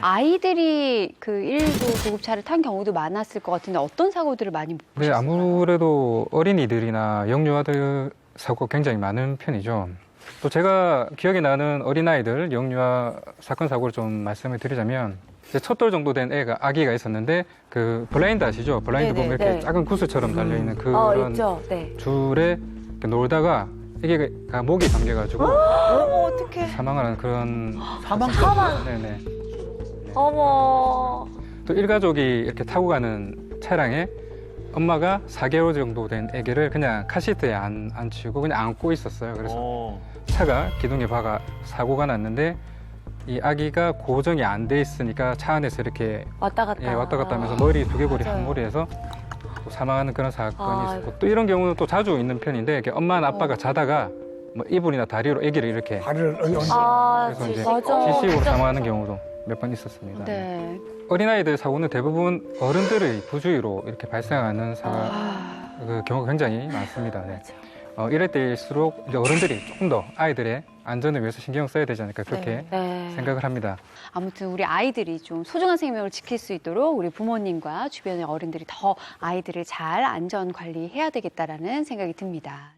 아이들이 그 119 구급차를 탄 경우도 많았을 것 같은데 어떤 사고들을 많이 보셨어요? 네, 아무래도 어린이들이나 영유아들 사고가 굉장히 많은 편이죠. 또 제가 기억에 나는 어린아이들 영유아 사건 사고를 좀 말씀을 드리자면 이제 첫 돌 정도 된 아기가 있었는데 그 블라인드 아시죠? 블라인드 보면 이렇게 작은 구슬처럼 달려있는 그런 있죠. 네. 줄에 이렇게 놀다가 아기가 목이 잠겨가지고 어떡해. 사망하는 그런 사망. 네네. 어머. 또 일가족이 이렇게 타고 가는 차량에 엄마가 4개월 정도 된 아기를 그냥 카시트에 안 치고 그냥 안고 있었어요. 그래서 차가 기둥에 박아 사고가 났는데 이 아기가 고정이 안 돼 있으니까 차 안에서 이렇게 왔다 갔다. 왔다 갔다 하면서 머리 두개골이 한 무리해서 또 사망하는 그런 사건이 있었고 또 이런 경우는 또 자주 있는 편인데 이렇게 엄마나 아빠가 자다가 뭐 이불이나 다리로 아기를 이렇게 발을 얹어. 그래서 이제 맞아. 지식으로 사망하는 경우도 몇 번 있었습니다. 네. 어린아이들 사고는 대부분 어른들의 부주의로 이렇게 발생하는 그 경우가 굉장히 많습니다. 네. 이럴 때일수록 이제 어른들이 조금 더 아이들의 안전을 위해서 신경 써야 되지 않을까 그렇게 생각을 합니다. 아무튼 우리 아이들이 좀 소중한 생명을 지킬 수 있도록 우리 부모님과 주변의 어른들이 더 아이들을 잘 안전 관리해야 되겠다라는 생각이 듭니다.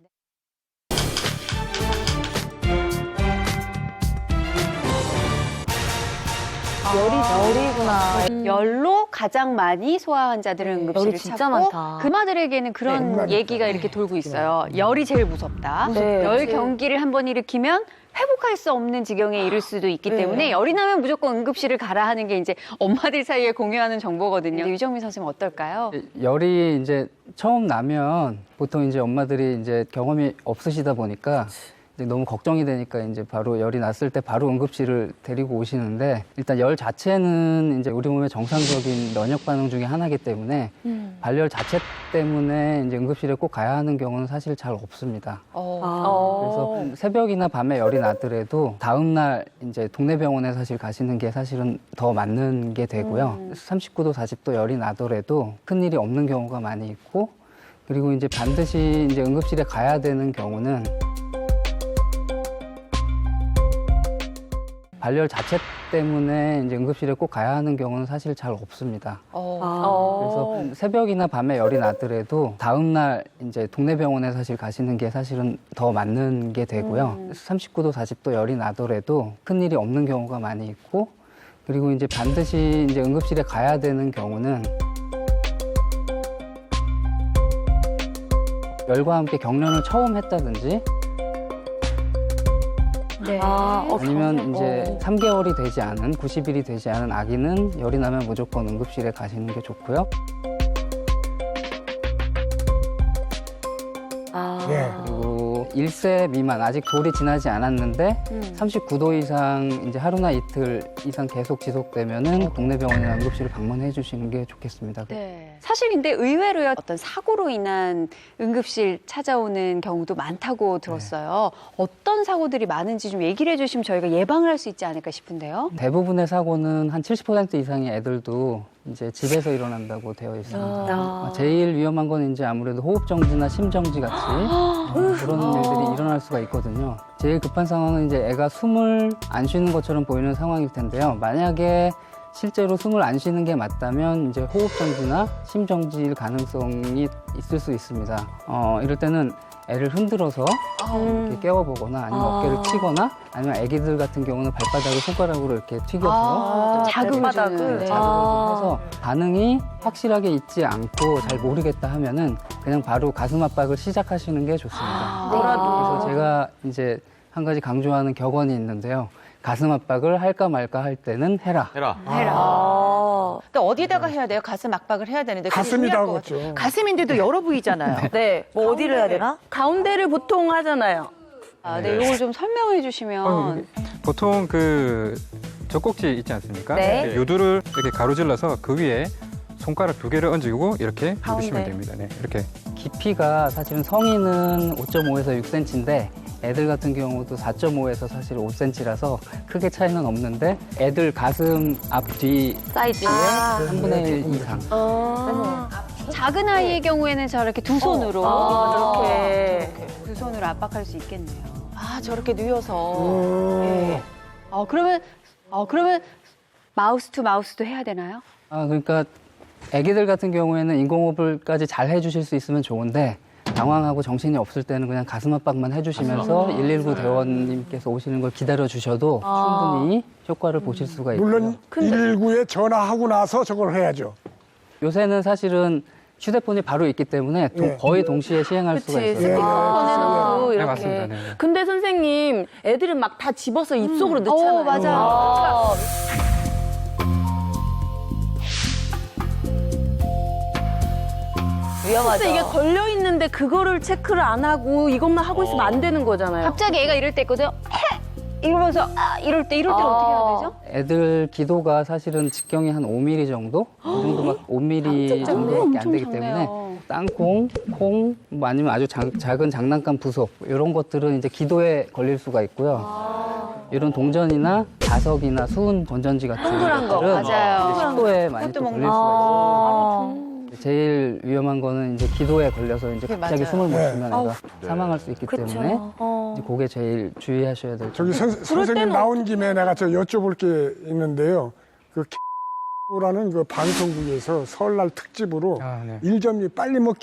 열이구나. 열로 가장 많이 소아 환자들은 응급실을 열이 진짜 찾고 많다. 금아들에게는 그런 얘기가 이렇게 돌고 있어요. 열이 제일 무섭다. 네. 열 경기를 한번 일으키면 회복할 수 없는 지경에 이를 수도 있기 때문에 열이 나면 무조건 응급실을 가라 하는 게 이제 엄마들 사이에 공유하는 정보거든요. 유정민 선생님 어떨까요? 열이 이제 처음 나면 보통 이제 엄마들이 이제 경험이 없으시다 보니까 이제 너무 걱정이 되니까 이제 바로 열이 났을 때 바로 응급실을 데리고 오시는데 일단 열 자체는 이제 우리 몸의 정상적인 면역 반응 중에 하나이기 때문에 발열 자체 때문에 이제 응급실에 꼭 가야 하는 경우는 사실 잘 없습니다. 그래서 새벽이나 밤에 열이 나더라도 다음 날 이제 동네 병원에 사실 가시는 게 사실은 더 맞는 게 되고요. 39도, 40도 열이 나더라도 큰 일이 없는 경우가 많이 있고 그리고 이제 반드시 이제 응급실에 가야 되는 경우는 발열 자체 때문에 이제 응급실에 꼭 가야 하는 경우는 사실 잘 없습니다. 그래서 새벽이나 밤에 열이 나더라도 다음 날 이제 동네 병원에 사실 가시는 게 사실은 더 맞는 게 되고요. 39도, 40도 열이 나더라도 큰 일이 없는 경우가 많이 있고 그리고 이제 반드시 이제 응급실에 가야 되는 경우는 열과 함께 경련을 처음 했다든지 아니면 이제 3개월이 되지 않은 90일이 되지 않은 아기는 열이 나면 무조건 응급실에 가시는 게 좋고요. 그리고 1세 미만 아직 돌이 지나지 않았는데 39도 이상 이제 하루나 이틀 이상 계속 지속되면은 동네 병원이나 응급실을 방문해 주시는 게 좋겠습니다. 네. 사실 근데 의외로요 어떤 사고로 인한 응급실 찾아오는 경우도 많다고 들었어요. 어떤 사고들이 많은지 좀 얘기를 해주시면 저희가 예방을 할 수 있지 않을까 싶은데요. 대부분의 사고는 한 70% 이상의 애들도 이제 집에서 일어난다고 되어 있습니다. 제일 위험한 건 이제 아무래도 호흡정지나 심정지 같이 그런 일들이 일어날 수가 있거든요. 제일 급한 상황은 이제 애가 숨을 안 쉬는 것처럼 보이는 상황일 텐데요. 만약에 실제로 숨을 안 쉬는 게 맞다면 이제 호흡정지나 심정지일 가능성이 있을 수 있습니다. 이럴 때는 애를 흔들어서 이렇게 깨워보거나 아니면 어깨를 튀거나 아니면 애기들 같은 경우는 발바닥을 손가락으로 이렇게 튀겨서 자극을 발바닥을. 주는. 자극을 좀 해서 반응이 확실하게 있지 않고 잘 모르겠다 하면은 그냥 바로 가슴 압박을 시작하시는 게 좋습니다. 그래서 제가 이제 한 가지 강조하는 격언이 있는데요. 가슴 압박을 할까 말까 할 때는 해라. 또 어디다가 해야 돼요? 가슴 압박을 해야 되는데 그게 가슴이 중요할 것 나오겠죠. 같아요. 가슴인데도 열어 보이잖아요. 네. 뭐 어디를 해야 되나? 가운데를 보통 하잖아요. 네, 이걸 좀 설명해 주시면. 보통 그 젖꼭지 있지 않습니까? 네. 요두를 이렇게 가로질러서 그 위에 손가락 2개를 얹고 이렇게 누르시면 됩니다. 네, 이렇게. 깊이가 사실은 성인은 5.5에서 6cm인데 애들 같은 경우도 4.5에서 사실 5cm라서 크게 차이는 없는데 애들 가슴 앞뒤 사이즈에. 3분의 1 이상. 작은 아이의 경우에는 저렇게 두 손으로 이렇게. 두 손으로 압박할 수 있겠네요. 아, 저렇게 누워서. 예. 그러면 마우스 투 마우스도 해야 되나요? 그러니까 아기들 같은 경우에는 인공호흡을까지 잘 해주실 수 있으면 좋은데 당황하고 정신이 없을 때는 그냥 가슴 압박만 해주시면서 119 대원님께서 오시는 걸 기다려 주셔도 충분히 효과를 보실 수가 있고요. 물론 119에 전화하고 나서 저걸 해야죠. 요새는 사실은 휴대폰이 바로 있기 때문에 예. 거의 동시에 시행할 수가 그치, 있어요. 스피커폰에서도 네, 이렇게. 맞습니다. 네, 네. 근데 선생님, 애들은 막 다 집어서 입속으로 넣잖아요. 맞아요. 위험하죠. 근데 이게 걸려 있는데 그거를 체크를 안 하고 이것만 하고 있으면 안 되는 거잖아요. 갑자기 애가 이럴 때 있거든요. 이러면서 이럴 때는 어떻게 해야 되죠? 애들 기도가 사실은 직경이 한 5mm 정도? 이 정도 막 5mm 정도밖에 안 되기 때문에 작네요. 땅콩, 콩, 뭐 아니면 아주 작은 장난감 부속 이런 것들은 이제 기도에 걸릴 수가 있고요. 이런 동전이나 자석이나 수은 건전지 같은 동그란 거, 것들은 맞아요. 이제 식도에 많이 또 걸릴 수가 있어요. 제일 위험한 거는 이제 기도에 걸려서 이제 갑자기 맞아요. 숨을 못 네. 쉬면 애가 사망할 수 있기 때문에 이제 그게 제일 주의하셔야 될 저기 점이에요. 선생님 나온 김에 내가 저 여쭤볼 게 있는데요. 그 라는 그 방송국에서 설날 특집으로 네. 일점이 빨리 먹기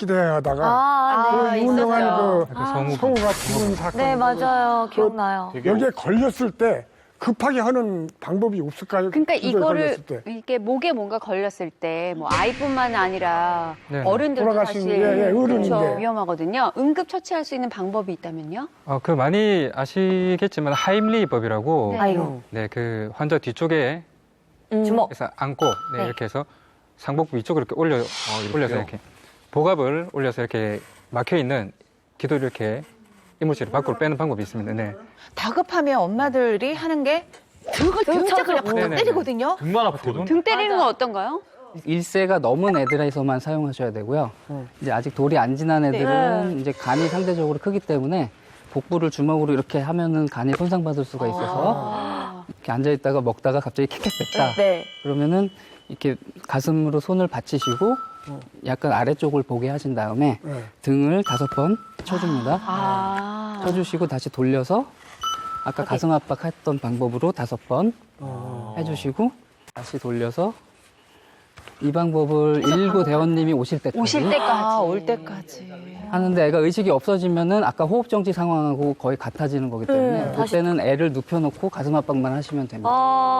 대회하다가 그 유명한 그 성우가 죽은 사건. 네, 맞아요. 기억나요. 여기에 걸렸을 때 급하게 하는 방법이 없을까요? 그러니까 기도에 이거를 걸렸을 때. 이게 목에 뭔가 걸렸을 때 뭐 아이뿐만 아니라 네. 어른들도 돌아가신, 사실 어른인데. 그렇죠. 위험하거든요. 응급 처치할 수 있는 방법이 있다면요? 그 많이 아시겠지만 하임리법이라고 아이고. 네, 그 환자 뒤쪽에 주먹. 그래서 안고 네, 이렇게 해서 상복부 위쪽으로 이렇게 올려서 이렇게 복압을 올려서 이렇게 막혀 있는 기도를 이렇게 이물질을 밖으로 빼는 방법이 있습니다. 네. 다급하면 엄마들이 하는 게 등을 진짜 그냥 팍 네네네. 때리거든요. 등만 아프거든. 등 때리는 건 어떤가요? 1세가 넘은 애들에서만 사용하셔야 되고요. 이제 아직 돌이 안 지난 애들은 이제 간이 상대적으로 크기 때문에 복부를 주먹으로 이렇게 하면은 간이 손상받을 수가 있어서 이렇게 앉아 있다가 먹다가 갑자기 킥킥 뺐다. 네. 그러면은 이렇게 가슴으로 손을 받치시고 약간 아래쪽을 보게 하신 다음에 네. 등을 5번 쳐줍니다. 쳐주시고 다시 돌려서 아까 가슴 압박했던 방법으로 5번 해주시고 다시 돌려서 이 방법을 119 대원님이 오실 때까지 오실 때까지. 올 때까지. 하는데 애가 의식이 없어지면은 아까 호흡정지 상황하고 거의 같아지는 거기 때문에 그때는 애를 눕혀놓고 가슴 압박만 하시면 됩니다.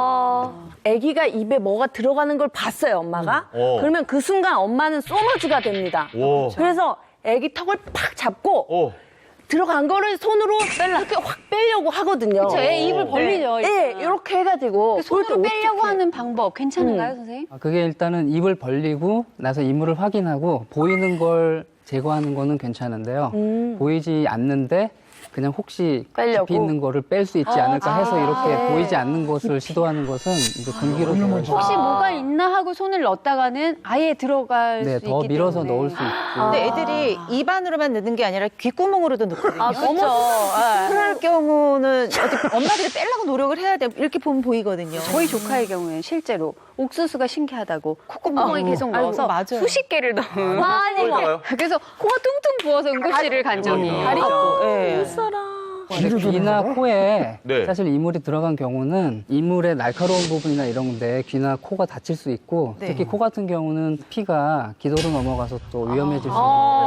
아기가 입에 뭐가 들어가는 걸 봤어요, 엄마가. 그러면 그 순간 엄마는 소머즈가 됩니다. 오. 그래서 아기 턱을 팍 잡고 오. 들어간 거를 손으로 이렇게 확 빼려고 하거든요. 제 입을 벌리죠. 네, 이렇게 해가지고. 손으로 그럴 때 빼려고 어떡해. 하는 방법 괜찮은가요, 선생님? 그게 일단은 입을 벌리고 나서 이물을 확인하고 보이는 걸 제거하는 거는 괜찮은데요. 보이지 않는데 그냥 혹시 빼려고? 깊이 있는 거를 뺄 수 있지 않을까 해서 이렇게 보이지 않는 것을 시도하는 것은 이제 금기로 되어 있어요. 혹시 뭐가 있나 하고 손을 넣었다가는 아예 들어갈 네, 수 있기 더 밀어서 때문에. 넣을 수 있고. 근데 애들이 입안으로만 넣는 게 아니라 귓구멍으로도 넣거든요. 아, 그렇죠. 그럴 경우는 어차피 엄마들이 빼려고 노력을 해야 돼. 이렇게 보면 보이거든요. 저희 조카의 경우에는 실제로 옥수수가 신기하다고 콧구멍에 계속 넣어서 아이고, 맞아요. 수십 개를 넣은 나가요? 그래서 코가 퉁퉁 부어서 응급실을 간 적이 다리죠. 예. 근데 귀나 코에 네. 사실 이물이 들어간 경우는 이물의 날카로운 부분이나 이런 건데 귀나 코가 다칠 수 있고 네. 특히 코 같은 경우는 피가 기도로 넘어가서 또 위험해질 수 있기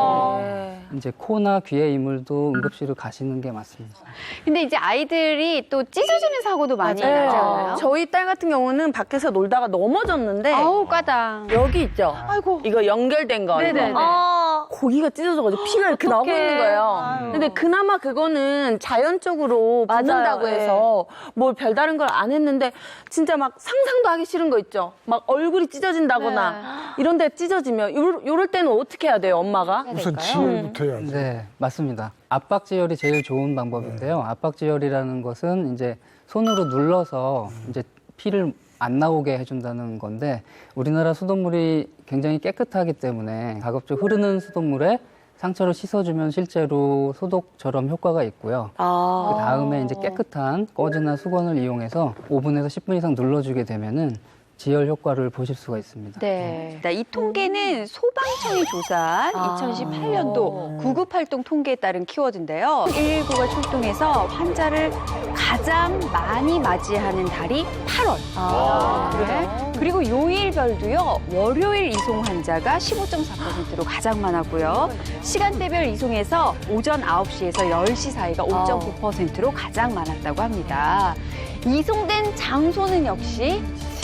때문에 이제 코나 귀의 이물도 응급실을 가시는 게 맞습니다. 근데 이제 아이들이 또 찢어지는 사고도 많이 맞아요. 나지 않아요? 저희 딸 같은 경우는 밖에서 놀다가 넘어졌는데 아우 까당. 여기 있죠. 아이고. 이거 연결된 거. 네네네. 이거. 고기가 찢어져가지고 피가 이렇게 나오고 있는 거예요. 근데 그나마 그거는 자연적으로 맞아요. 붓는다고 예. 해서 뭘 별다른 걸 안 했는데 진짜 막 상상도 하기 싫은 거 있죠. 막 얼굴이 찢어진다거나 이런 데 찢어지면 요럴 때는 어떻게 해야 돼요, 엄마가? 우선 지혈부터 해야지. 네, 맞습니다. 압박지혈이 제일 좋은 방법인데요. 압박지혈이라는 것은 이제 손으로 눌러서 이제 피를 안 나오게 해준다는 건데 우리나라 수돗물이 굉장히 깨끗하기 때문에 가급적 흐르는 수돗물에 상처를 씻어주면 실제로 소독처럼 효과가 있고요. 그 다음에 이제 깨끗한 꺼즈나 수건을 이용해서 5분에서 10분 이상 눌러주게 되면은 지혈 효과를 보실 수가 있습니다. 네. 이 통계는 소방청이 조사한 2018년도 구급활동 통계에 따른 키워드인데요. 119가 출동해서 환자를 가장 많이 맞이하는 달이 8월. 네. 그리고 요일별도요. 월요일 이송 환자가 15.4%로 가장 많았고요. 시간대별 이송에서 오전 9시에서 10시 사이가 5.9%로 가장 많았다고 합니다. 이송된 장소는 역시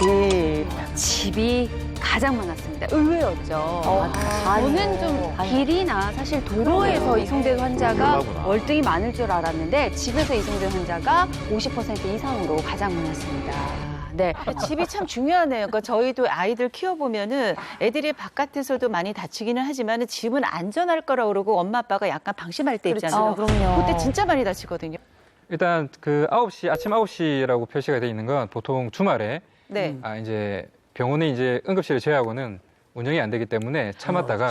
집이 가장 많았습니다. 의외였죠. 저는 좀 길이나 사실 도로에서 이송된 환자가 월등히 많을 줄 알았는데 집에서 이송된 환자가 50% 이상으로 가장 많았습니다. 네. 집이 참 중요하네요. 그러니까 저희도 아이들 키워보면은 애들이 바깥에서도 많이 다치기는 하지만 집은 안전할 거라고 그러고 엄마 아빠가 약간 방심할 때 있잖아요. 그럼요. 그때 진짜 많이 다치거든요. 일단 그 9시, 아침 9시라고 표시가 되어 있는 건 보통 주말에 네. 이제 병원에 이제 응급실을 제외하고는 운영이 안 되기 때문에 참았다가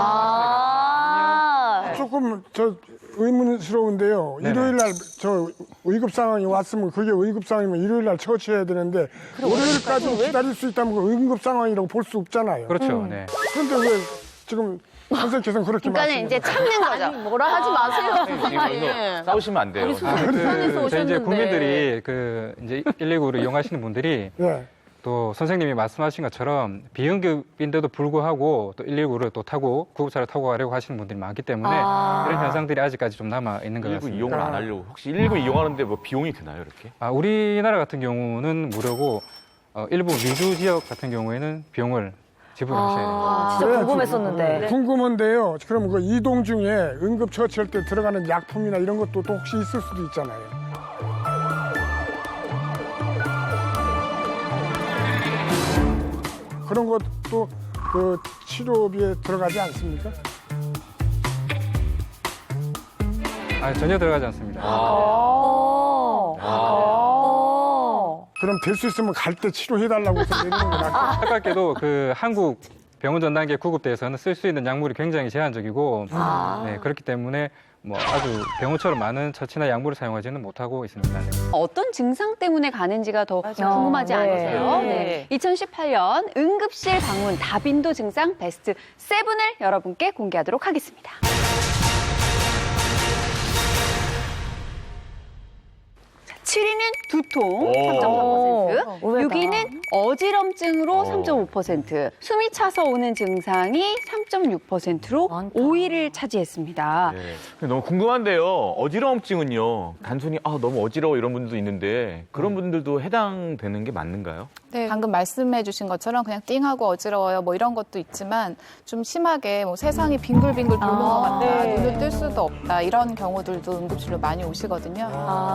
기다렸다. 조금 의문스러운데요. 네네. 일요일 날 저 의급 상황이 왔으면 그게 의급 상황이면 일요일 날 처치해야 되는데 월요일까지 기다릴 수 있다면 그 응급 상황이라고 볼 수 없잖아요. 그렇죠. 네. 그런데 왜 지금 선생님께서는 그렇게 그러니까 이제 말씀하세요? 참는 거죠. 뭐라 하지 마세요. 여기서 싸우시면 안 돼요. 부산에서 저희 이제 오셨는데. 국민들이 그 이제 119를 이용하시는 분들이 네. 또 선생님이 말씀하신 것처럼 비응급인데도 불구하고 또 119를 또 타고 구급차를 타고 가려고 하시는 분들이 많기 때문에 이런 현상들이 아직까지 좀 남아 있는 것 119 같습니다. 이용을 안 하려고. 혹시 119 이용하는데 뭐 비용이 드나요, 이렇게? 우리나라 같은 경우는 무료고 일부 미주 지역 같은 경우에는 비용을 지불하셔야 됩니다. 진짜 그래야지. 궁금했었는데. 궁금한데요. 그럼 그 이동 중에 응급 처치할 때 들어가는 약품이나 이런 것도 또 혹시 있을 수도 있잖아요. 그런 것도 그 치료비에 들어가지 않습니까? 전혀 들어가지 않습니다. 그럼 될 수 있으면 갈 때 치료해달라고 해서 내리는 게 낫고. 안타깝게도 그 한국 병원 전단계 구급대에서는 쓸 수 있는 약물이 굉장히 제한적이고 네, 그렇기 때문에 뭐 아주 병원처럼 많은 처치나 약물을 사용하지는 못하고 있습니다. 네. 어떤 증상 때문에 가는지가 더 궁금하지 네. 않으세요? 네. 2018년 응급실 방문 다빈도 증상 베스트 7을 여러분께 공개하도록 하겠습니다. 7위는 두통 3.4%, 의외다. 6위는 어지럼증으로 3.5%, 숨이 차서 오는 증상이 3.6%로 많다. 5위를 차지했습니다. 네. 너무 궁금한데요. 어지러움증은요. 단순히 너무 어지러워 이런 분들도 있는데 그런 분들도 해당되는 게 맞는가요? 네, 방금 말씀해 주신 것처럼 그냥 띵하고 어지러워요 뭐 이런 것도 있지만 좀 심하게 뭐 세상이 빙글빙글 도는 것 같다, 눈을 뜰 수도 없다 이런 경우들도 응급실로 많이 오시거든요.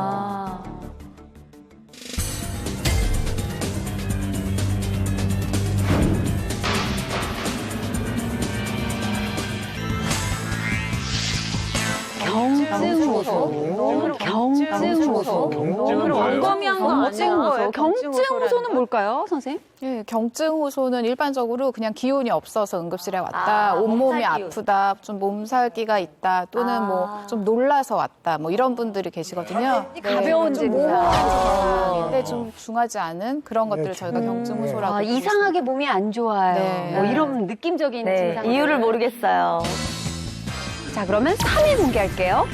경증호소. 경증호소. 경증은 뭐예요? 광범위한 거 아니에요? 경증호소는 뭘까요, 선생님? 예, 경증호소는 일반적으로 그냥 기운이 없어서 응급실에 왔다, 온몸이 아프다, 좀 몸살기가 있다, 또는 뭐 좀 놀라서 왔다, 뭐 이런 분들이 계시거든요. 가벼운 좀 증상. 모호한데 좀 중하지 않은 그런 것들을 저희가 경증호소라고 부르고 이상하게 몸이 안 좋아요. 네. 뭐 이런 느낌적인 네, 증상. 이유를 모르겠어요. 자, 그러면 3위 공개할게요.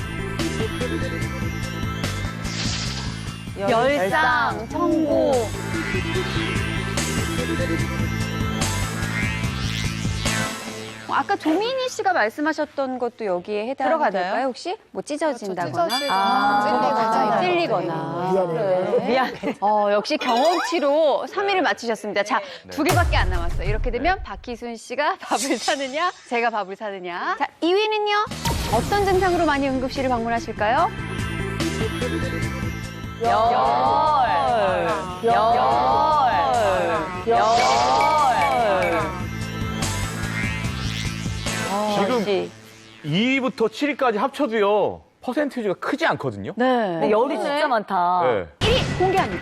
열상, 청고. 아까 조민희 씨가 말씀하셨던 것도 여기에 해당될까요, 혹시? 뭐 찢어진다거나? 찔리거나 찔리거나. 미안해요. 미안해. 역시 경험치로 3위를 맞추셨습니다. 자, 두 개밖에 안 남았어요. 이렇게 되면 박희순 씨가 밥을 사느냐, 제가 밥을 사느냐. 자, 2위는요? 어떤 증상으로 많이 응급실을 방문하실까요? 지금 2위부터 7위까지 합쳐도요. 퍼센티지가 크지 않거든요. 네. 근데 열이 진짜 많다. 네. 1위 공개합니다.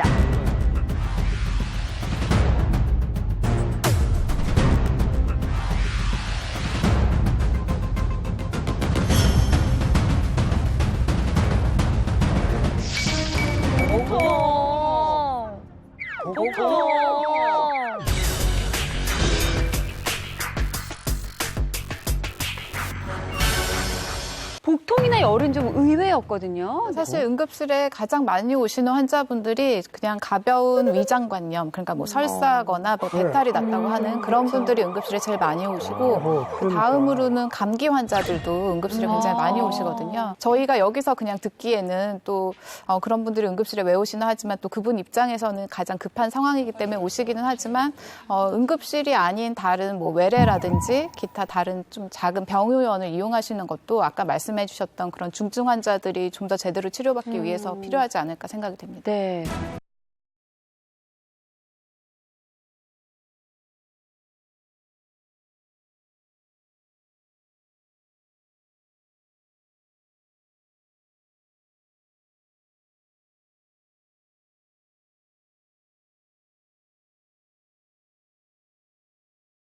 최근에 열은 좀 의외였거든요. 사실 응급실에 가장 많이 오시는 환자분들이 그냥 가벼운 위장관염, 그러니까 뭐 설사거나 뭐 배탈이 났다고 하는 그런 분들이 응급실에 제일 많이 오시고 그 다음으로는 감기 환자들도 응급실에 굉장히 많이 오시거든요. 저희가 여기서 그냥 듣기에는 또 그런 분들이 응급실에 왜 오시나 하지만 또 그분 입장에서는 가장 급한 상황이기 때문에 오시기는 하지만 응급실이 아닌 다른 뭐 외래라든지 기타 다른 좀 작은 병의원을 이용하시는 것도 아까 말씀해 주셨던 그런 중증 환자들이 좀 더 제대로 치료받기 위해서 필요하지 않을까 생각이 됩니다. 네.